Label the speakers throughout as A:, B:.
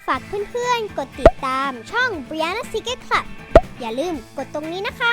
A: ฝากเพื่อนๆกดติดตามช่อง Brianna Secret Club อย่าลืมกดตรงนี้นะคะ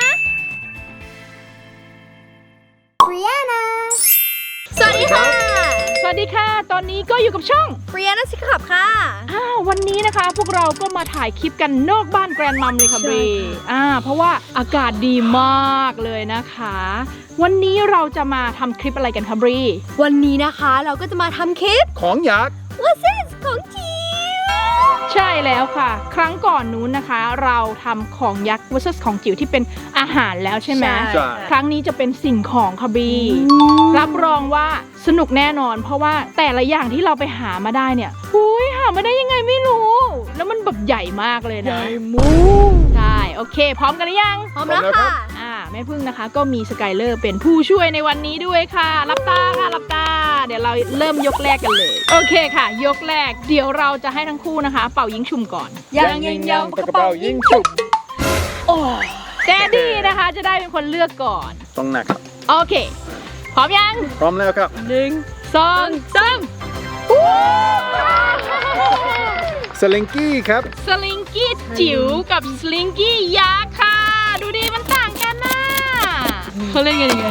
A: Brianna
B: สวัสดีค่ะ
C: สวัสดีค่ะ ตอนนี้ก็อยู่กับช่อง
B: Brianna Secret Club ค่ะ
C: วันนี้นะคะพวกเราก็มาถ่ายคลิปกันนอกบ้านแกรนด์มัมเลยค่ะบรีเพราะว่าอากาศดีมากเลยนะคะ วันนี้เราจะมาทำคลิปอะไรกันคะบรี
B: วันนี้นะคะเราก็จะมาทำคลิป
D: ของยักษ์
B: What's this ของจิ๋ว
C: ใช่แล้วค่ะ ครั้งก่อนนู้นนะคะ เราทำของยักษ์ vs ของจิ๋วที่เป็นอาหารแล้วใช่ไหม
D: ใช่
C: ครั้งนี้จะเป็นสิ่งของค่ะบรีรับรองว่าสนุกแน่นอน เพราะว่าแต่ละอย่างที่เราไปหามาได้เนี่ยหามาได้ยังไงไม่รู้ แล้วมันแบบใหญ่มากเลยนะใช่โอเค พร้อมกันหรือยัง
B: พร้อมแล้วค่ะ
C: แม่พึ่งนะคะก็มีสกายเลอร์เป็นผู้ช่วยในวันนี้ด้วยค่ะรับตาค่ะรับตาเดี๋ยวเราเริ่มยกแรกกันเลยโอเคค่ะ ยกแรกเดี๋ยวเราจะให้ทั้งคู่นะคะ เป่ายิงฉุบก่อน
B: ยัง
D: ปากกระเป๋ายิงฉุบ
C: โอ้แดดดี้นะคะจะได้เป็นคนเลือกก่อน
D: ต้องหนัก
C: โอเคพร้อมยัง
D: พร้อมแล้วครับ
C: 1 2 3
D: สลิงกี้ครับ
C: สลิงกี้จิ๋วกับสลิงกี้ยักษ์ค่ะดูดิมันต่างกันนะเขาเล่นกันยังไง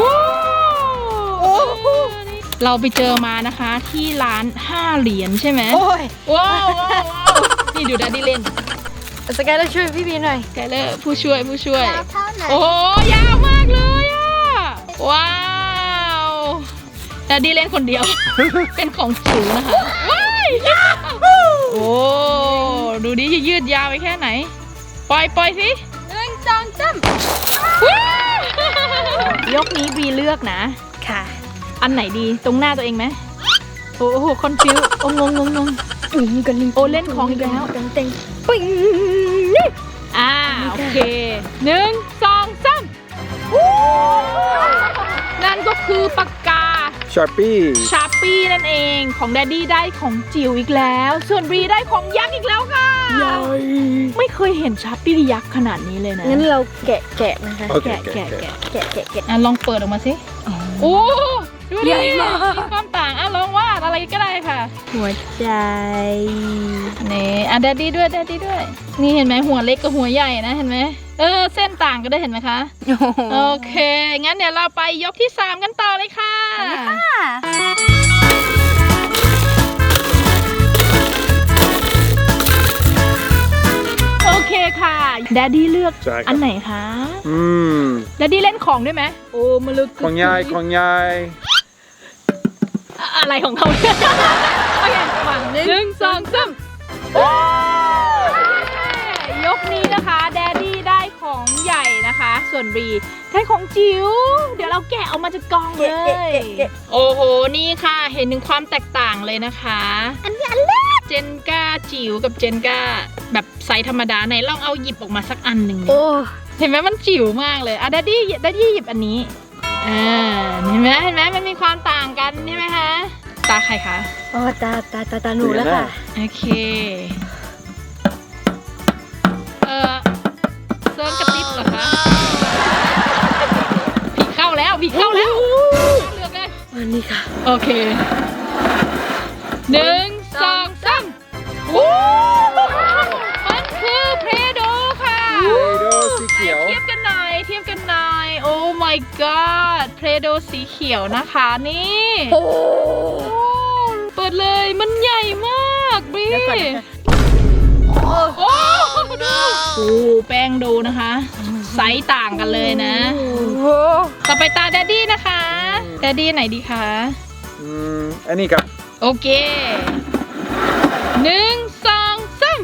C: เราไปเจอมานะคะที่ร้าน5เหรียญใช่ไหม
B: โอ้ย
C: ว้าวนี่ดูดัดดี้เล่น
B: สกายแล้วช่วยพี่บีหน่อย
C: ไกเลอร์ผู้ช่วย
A: ยาวเท่าไหน
C: โอ้ยาวมากเลยอ่ะว้าวดัดดี้เล่นคนเดียว เป็นของจิ๋วนะคะว้ายโอ้ดูดิจะยืดยาวไปแค่ไหนปล่อยสิ1 2 3ยกนี้บีเลือกนะ
B: ค่ะ
C: อันไหนดีตรงหน้าตัวเองไหมโอ้โหคอนฟิวโอ้งง
B: กัน
C: โอ้เล่นของอีกแล้ว
B: เต็งปิ้ง
C: โอเค1 2 3นั่นก็คือปากกา
D: ชาร์ปี้
C: ชาร์ปี้นั่นเองของแดดดี้ได้ของจิ๋วอีกแล้ว ส่วนบรีได้ของยักษ์อีกแล้วค่ะไม่เคยเห็นชาร์ปี้ยักษ์ขนาดนี้เลยนะ
B: งั้นเราแกะนะคะ
D: โอเค
C: แกะ
B: แกะ
C: ลองเปิดออกมาสิโอ้ดูดิ
B: ใหญ่มาก
C: มีความต่างลองวาดอะไรก็ได้ค่ะ
B: หัวใจ
C: นี่แดดดี้ด้วยนี่เห็นไหมหัวเล็กกับหัวใหญ่นะเห็นไหมเส้นต่างกันได้เห็นไหมคะโอเคงั้นเดี๋ยวเราไปยกที่3กันต่อเลยค่ะโอเคค่ะแดดดี้เลือก
D: ใช่ครับ
C: อันไหนคะแดดดี้เล่นของด้วยไหมโอ้มาลึก
D: ของยายของยาย
C: อะไรของเขาเนี่ยโอเคฝั่ง1 2 3ยกนี้นะคะแดดดี้ได้ของใหญ่นะคะ ส่วนบรีได้ของจิ๋วเดี๋ยวเราแกะออกมาจากกล่องเลยโอ้โหนี่ค่ะเห็นถึงความแตกต่างเลยนะคะอันนี้อันเล็กเจนก้าจิ๋วกับเจนก้าแบบไซส์ธรรมดาไหนลองเอาหยิบออกมาสักอันหนึ่ง
B: โอ้
C: เห็นไหมมันจิ๋วมากเลยแดดดี้หยิบอันนี้เห็นไหมมันมีความต่างกันใช่ไหมคะตาใครคะ
B: อ๋อตาหนูแล้วค่ะ
C: โอเคเซิร์นกระติบเหรอคะผีเข้าแล้วเลือกเลย
B: วันนี้ค่ะ
C: โอเค1 2 3มันคือเพรโดค่ะ
D: เพโดสีเขียว
C: เทียบกันหน่อยโอ้ my god เพรโดสีเขียวนะคะนี่
B: โอ้
C: เปิดเลยมันใหญ่มากบรี
B: เดี๋ยวก่อนนะคะ
C: โอ้ดูโอ้แป้งดูนะคะไซส์ต่างกันเลยนะ
B: โห
C: ต่อไปตาแดดดี้นะคะแดดดี้ไหนดีคะ
D: อันนี้ครับ
C: โอเค1 2 3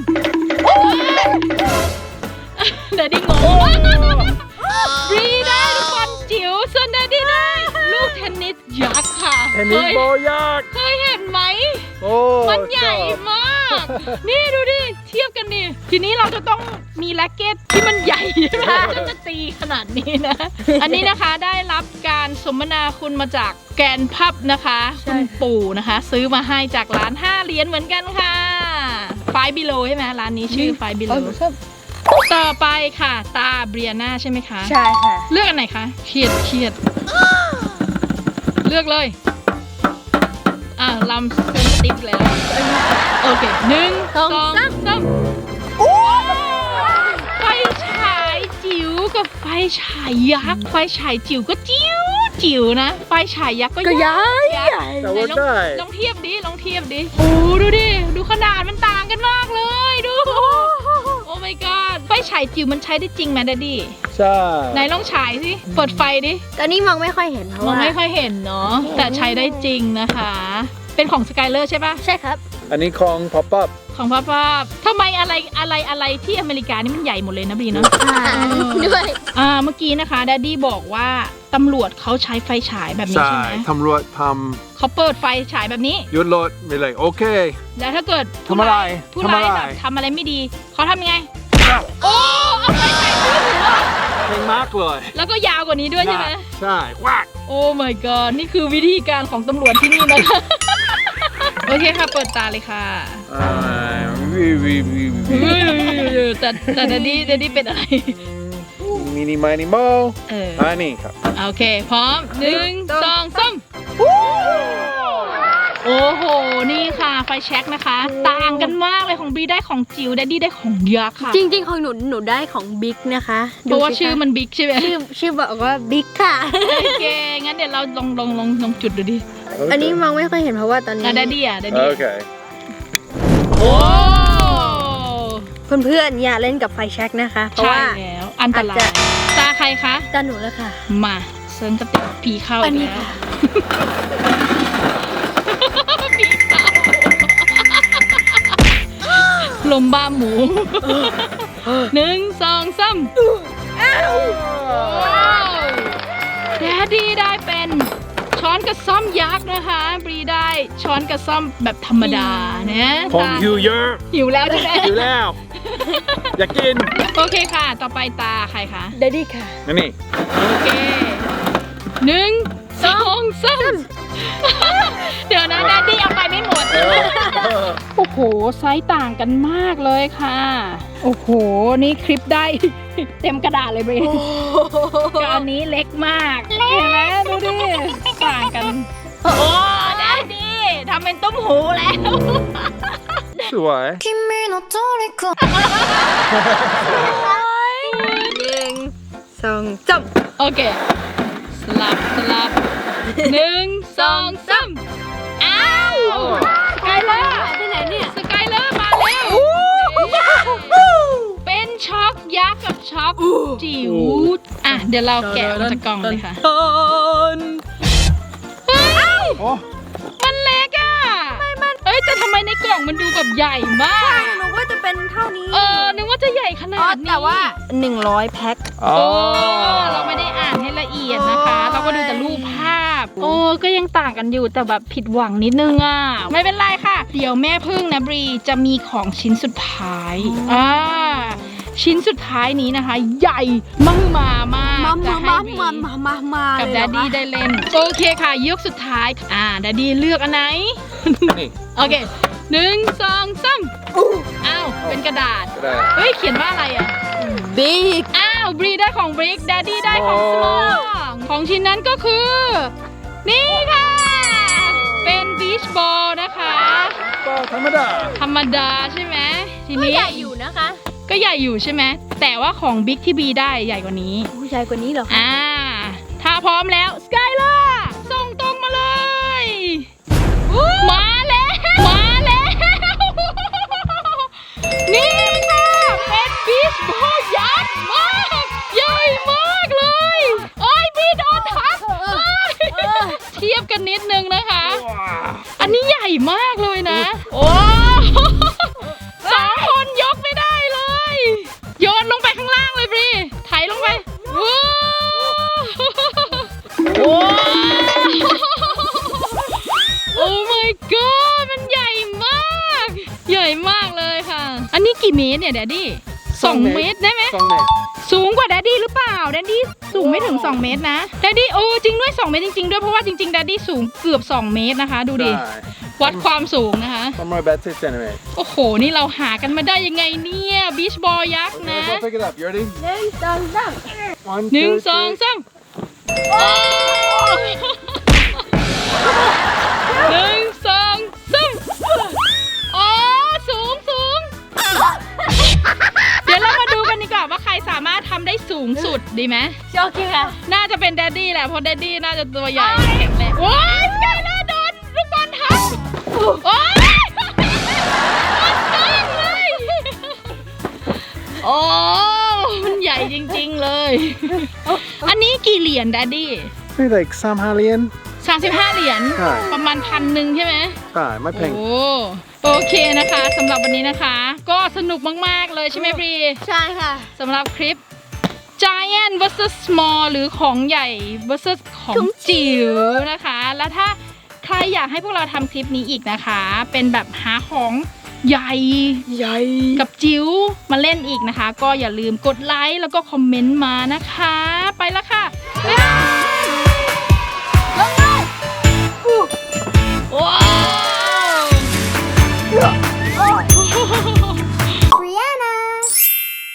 C: แดดดี้งงบรีได้ลูกบอลจิ๋วส่วนแดดดี้ได้ลูกเทนนิสยักษ์ค่ะ
D: เทนนิสโบยักษ์
C: เคยเห็นไหม
D: โอ้
C: มันใหญ่มาก นี่ดูดิ เทียบกันดิ ทีนี้เราจะต้องมีแร็คเก็ตที่มันใหญ่ใช่ไหมจะตีขนาดนี้นะ อันนี้นะคะได้รับการสมนาคุณมาจากแกนพับนะคะคุณปู่นะคะ ซื้อมาให้จากร้าน5เหรียญเหมือนกันค่ะ5 Below ใช่ไหมร้านนี้ชื่อ5 Below ต่อไปค่ะตาเบรียนาใช่ไหมคะ
B: ใช่ค่ะ
C: เลือกอันไหนคะเครียดเลือกเลยลำเซนติฟแล้วโอเค1 2 3ไฟฉายจิ๋วกับไฟฉายยักษ์ไฟฉายจิ๋วก็จิ๋วนะไฟฉายยักษ์ก็
B: ก็
C: ยักษ์
B: ย้ายใหญ่
D: แต่
C: ไหน
D: ว่า
C: ลอง
D: ได้
C: ลองเทียบดิลองเทียบดิโอ้ดูดิดูขนาดมันต่างกันมากเลยดูโอ้ my god ไฟฉายจิ๋วมันใช้ได้จริงไหมแดดดี้
D: ใช่
C: ไหนลองฉายสิเปิดไฟดิ
B: ตอนนี้มองไม่ค่อยเห็นเพราะ
C: มอง
B: ว่า
C: ไม่ค่อยเห็นเนาะแต่ใช้ได้จริงนะคะ เป็นของสกายเลอร์ใช่ปะ
B: ใช่ครับ
D: อันนี้ของ pop up
C: ของพ่อป้าทำไมอะไรที่อเมริกานี่มันใหญ่หมดเลยนะบีเนาะ
B: ด้วย
C: เมื่อกี้นะคะแดดดี้บอกว่าตำรวจเขาใช้ไฟฉายแบบนี้ใช่ไหม
D: ตำรวจท
C: เขาเปิดไฟฉายแบบนี้
D: ำยุดรถไม่เลยโอเค
C: แล้วถ้าเกิด
D: ทำอะไร
C: ผู้ร้าย
D: ทำอะไร
C: แบบทำอะไรไม่ดีเขาทำยังไงโอ้เอาไฟฉายขึ้นหัว
D: เพลงมากเลย
C: แล้วก็ยาวกว่านี้ด้วยใช่ไหม
D: ใช่ว้า
C: โอ้ my god นี่คือวิธีการของตำรวจที่นี่นะคะ โอเคค่ะเปิดตาเลยค่ะ แต่แดดดี้เป็นอะไร
D: มินิมินิโม อันนี้ครับ
C: โอเค พร้อม1 2 3โอ้โห นี่ค่ะไฟแช็กนะคะ ต่างกันมากเลยของบีได้ของจิ๋วแดดดี้ได้ของยักษ์ค่ะ
B: จริงๆของหนูได้ของบิ๊กนะคะ
C: เพราะว่า
B: ดูสิค
C: ชื่อมันบิ๊กใช่ไหม
B: ชื่อบอกว่าบิ๊กค่ะ
C: โอเค งั้นเดี๋ยวเราลองจุดดูดิ
B: อันนี้มองไม่ค่อยเห็นเพราะว่าตอนนี้
C: แดดดี้แดดดี้
D: โอเค
C: โอ้
B: เพื่อนๆอย่าเล่นกับไฟแช็กนะคะ เพราะ
C: ใช่
B: ว่า
C: แล้วอันตราย
B: อาจจะ
C: ตาใครคะ
B: ตาหนูแล้วค่ะ
C: มาเซิร์นกระติกผีเข้า
B: อันนี้
C: แล้ว
B: ค่ะ
C: ผีเข้าลมบ้าหมู1 2 3แดดดี้ได้เป็นช้อนกระซ่อมยักษ์นะคะบรีได้ช้อนกระซ่อมแบบธรรมดานะ
D: ผม
C: ตา
D: หิวเยอะ
C: หิวแล้วใช่ไหม
D: หิวแล้ว อยากกิน
C: โอเคค่ะ ต่อไปตาใครคะ
B: เดดดี้ค่ะ
D: นี่
C: โอเค1 2 3เดี๋ยวนะแดดดี้เอาไปไม่หมด โอ้โห ไซส์ต่างกันมากเลยค่ะ โอ้โห นี่คลิปได้ เต็มกระดาษเลยเบรกับอันนี้เล็กมากเห็นไหมดูดิ ต่างกัน โอ้แดดดี้ทำเป็นตุ้มหูแล้ว
D: สวย
B: 1 2 3
C: โอเค สลับ1 2 3อ้าวสกายเลอร์
B: ที่ไหนเนี่ย
C: สกายเลอร์มาแล้วเป็นช็อกยักษ์กับช็อกจิ๋วอ่ะ เดี๋ยวเราแกะออกจากกล่องเลยค่ะเฮ้ย
D: โอ้
C: มันเล็กอ่ะเอ้ยแต่ทำไมในกล่องมันดูแบบใหญ่มาก
B: หนูว่าจะเป็นเท่านี้
C: นึกว่าจะใหญ่ขนา
B: อ๋อ
C: ดนี้
B: แต่ว่า 100 แพ็ค
D: โอ้
C: โอ้เราไม่ได้อ่านให้ละเอียดนะคะ เราก็ดูแต่รูปภาพ โอ้ก็ยังต่างกันอยู่แต่แบบผิดหวังนิดนึงอ่ะ ไม่เป็นไรค่ะ เดี๋ยวแม่พึ่งนะบรีจะมีของชิ้นสุดท้ายชิ้นสุดท้ายนี้นะคะ ใหญ่มากจะให้บรีกับแดดดี้ได้เล่น โอเคค่ะยกสุดท้ายแดดดี้เลือกอันไหน
D: นี่
C: โอเค1 2 3อ้าวเป็นกระดาษ
D: ก็ได้
C: เฮ้ยเขียนว่าอะไรอ่ะ
B: บิ๊ก
C: อ้าวบรีได้ของบริกแดดดี้ได้ของสมองของชิ้นนั้นก็คือ นี่ค่ะ เป็นบีชบอลนะคะ
D: ก็ธรรมดา
C: ธรรมดาใช่ไหมที
B: ก็
C: นี้
B: ใหญ่อยู่นะคะ
C: ก็ใหญ่อยู่ใช่ไหมแต่ว่าของบิ๊กที่บีได้ใหญ่กว่านี้
B: ผู้ชายกว่านี้เหรอคะ
C: ถ้าพร้อมแล้วสกายเลอร์ส่งตรงมาเลย มาแล้ว นี่ค่ะเป็นบีชบอลยักษ์มากใหญ่มากเลยโอ้ยบีโดนทับเทียบกันนิดนึงนะคะ อันนี้ใหญ่มากเลยนะ โอ้2 คนยกไม่ได้เลย โยนลงไปข้างล่างเลยบรีไถลงไปว้โอ้ my god มันใหญ่มาก ใหญ่มากเลยค่ะ อันนี้กี่เมตรเนี่ยแดดดี้2 เมตรได้ไหม
D: 2 เมตร
C: สูงกว่าแดดดี้หรือเปล่าแดดดี้สูงไม่ถึง2 เมตรนะแดดดี้จริงด้วย2 เมตรจริงๆด้วยเพราะว่าจริงๆแดดดี้สูงเกือบ2 เมตรนะคะ ดูดิ
D: ได้
C: วัดความสูงนะคะ
D: 180 centimeters
C: โอ้โห นี่เราหากันมาได้ยังไงเนี่ยบีชบอลยักษ์นะ
D: Okay, go pick it up. You ready? 1,
C: 1
D: 2,
C: 2 3 1 2 3โอ้สูงสุดดีไหม
B: โอเคค่ะ
C: น่าจะเป็นแดดดี้แหละเพราะแดดดี้น่าจะตัวใหญ่แข็งแรงโอ้ยสกายเลอร์โดนลูกบอลทับโอ้ยเลยโอ้มันใหญ่จริงๆเลย อันนี้กี่เหรียญแดดดี้
D: Maybe like some Halian.
C: 35 เหรียญ
D: ใช่
C: ประมาณ1,000ใช่ไหม
D: Ah, my
C: โอ้
D: pink.
C: โอเคนะคะสำหรับวันนี้นะคะ ก็สนุกมากๆเลยใช่ไหมบรี
B: ใช่ค่ะ
C: สำหรับคลิป Giant vs Small หรือของใหญ่ vs ของจิ๋วนะคะ แล้วถ้าใครอยากให้พวกเราทำคลิปนี้อีกนะคะ เป็นแบบหาของใหญ่กับจิ๋วมาเล่นอีกนะคะ ก็อย่าลืมกดไลค์แล้วก็คอมเมนต์มานะคะ ไปแล้วค่ะบ๊ายบายลงเลยว้าว